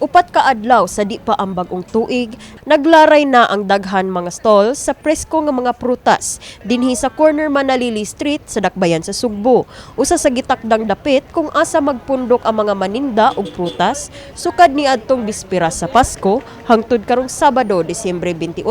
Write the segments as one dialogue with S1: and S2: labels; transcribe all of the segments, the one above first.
S1: Upat ka adlaw sa di pa ang bag-ong tuig, naglaray na ang daghan mga stall sa presko nga mga prutas dinhi sa corner Manalili Street sa Dakbayan sa Sugbo. Usa sa gitakdang dapit kung asa magpundok ang mga maninda ug prutas sukad ni adtong bispera sa Pasko hangtod karong Sabado, Disyembre 28,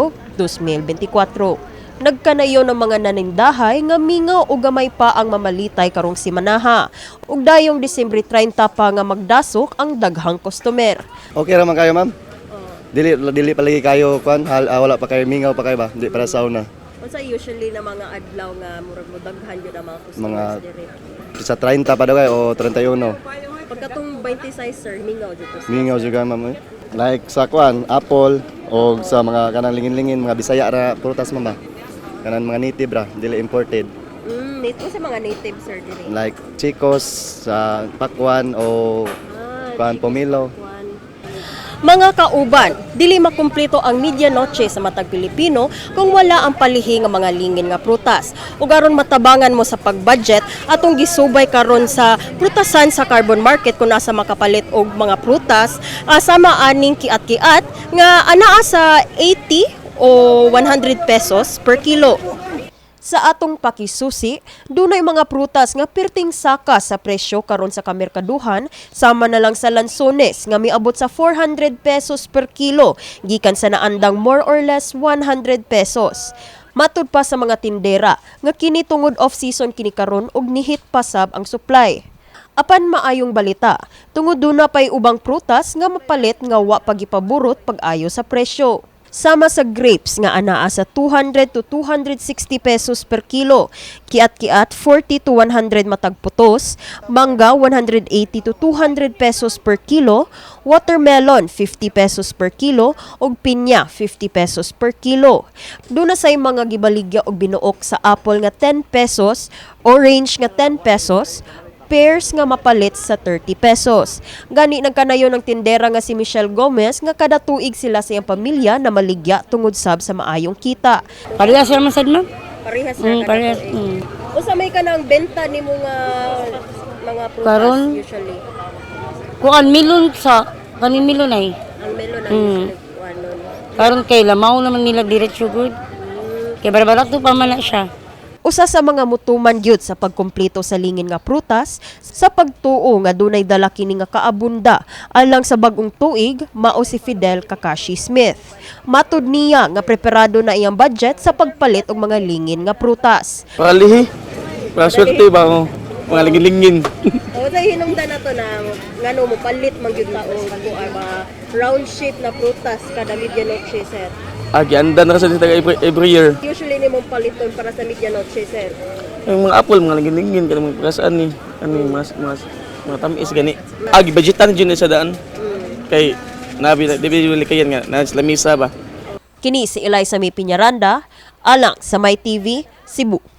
S1: 2024. Nagkanayo ng mga nanindahay nga mingaw o gamay pa ang mamalitay karong simanaha. Ug dayong Disyembre 30 pa nga magdasok ang daghang customer.
S2: Okay raman kayo, ma'am? Dili pa lagi kayo kuan, wala pa kayo mingaw pa kayo ba? Di para sauna.
S1: Unsa usually na mga adlaw nga murag mo daghan gyud ang mga customers
S2: Mga
S1: dire?
S2: sa 30 pa daw kayo o 31.
S1: Pagkatong 26 sir, mingaw jud to.
S2: Mingaw juga, ma'am. Like sa kuan, apple o sa mga kanang lingin-lingin, mga Bisaya ra prutas, ma'am. Kanan mga native ra, dili imported.
S1: Native sa mga native sir dire.
S2: Like chicos, sa pakwan o kuan pomelo.
S1: Mga kauban, dili makumpleto ang medianoche sa matag Pilipino kung wala ang palihi nga mga lingin nga prutas. Ug aron matabangan mo sa pagbudget, atong gisubay karon sa prutasan sa Carbon Market kung asa makapalit og mga prutas sama aning kiat-kiat nga anaa sa 80 o 100 pesos per kilo. Sa atong pakisusi, dunay mga prutas nga perting saka sa presyo karon sa kamerkaduhan, sama na lang sa lansones nga miabot sa 400 pesos per kilo, gikan sa naandang more or less 100 pesos. Matud pa sa mga tindera nga kini tungod off-season kini karon ug nihit pasab ang supply. Apan maayong balita, tungod duna pay ubang prutas nga mapalit nga wa pagipaburot pag-ayo sa presyo. Sama sa grapes nga anaa sa 200 to 260 pesos per kilo, kiat-kiat 40 to 100 matag putos, mangga 180 to 200 pesos per kilo, watermelon 50 pesos per kilo ug pinya 50 pesos per kilo. Duna say mga gibaligya og binuok sa apple nga 10 pesos, orange nga 10 pesos, pears nga mapalit sa 30 pesos. Gani nagkanayo ng tindera nga si Michelle Gomez nga kada tuig sila sa iyang pamilya na maligya tungod sab sa maayong kita.
S3: Parehas naman sad ma'am.
S1: Parehas
S3: Parehas.
S1: Usa may kanang benta nimo nga mga prutas
S3: Karon?
S1: usually.
S3: Kuan milon sa kanin milon ay.
S1: Ang melon ang usually ano.
S3: Karon kay lamaw naman nila diretso good. Kay barabarat to pa man na siya.
S1: Usa sa mga mutuman gyud sa pagkumpleto sa lingin nga prutas sa pagtuo nga dunay dala kini nga kaabunda alang sa bag-ong tuig mao si Fidel Kakashi Smith. Matud niya nga preparado na iyang budget sa pagpalit og mga lingin nga prutas.
S4: Palihi. Para swerte ba ako? Mga lingin-lingin.
S1: O sa hinungdan nato na ngano mo palit man gyud taong mga round shape na prutas kada medianoche sir.
S4: Gianda na kasi taga every year.
S1: Usually nimong paliton para sa medianoche sir.
S4: Yung mga apple, mga lingin-lingin, kada mga pagkasaan ni. Mga tamis gani. Budgetan dyan sa daan. Kay, di ba kayan nga, na lamisa ba?
S1: Kini si Eliza May Piñaranda, alang sa My TV, Cebu.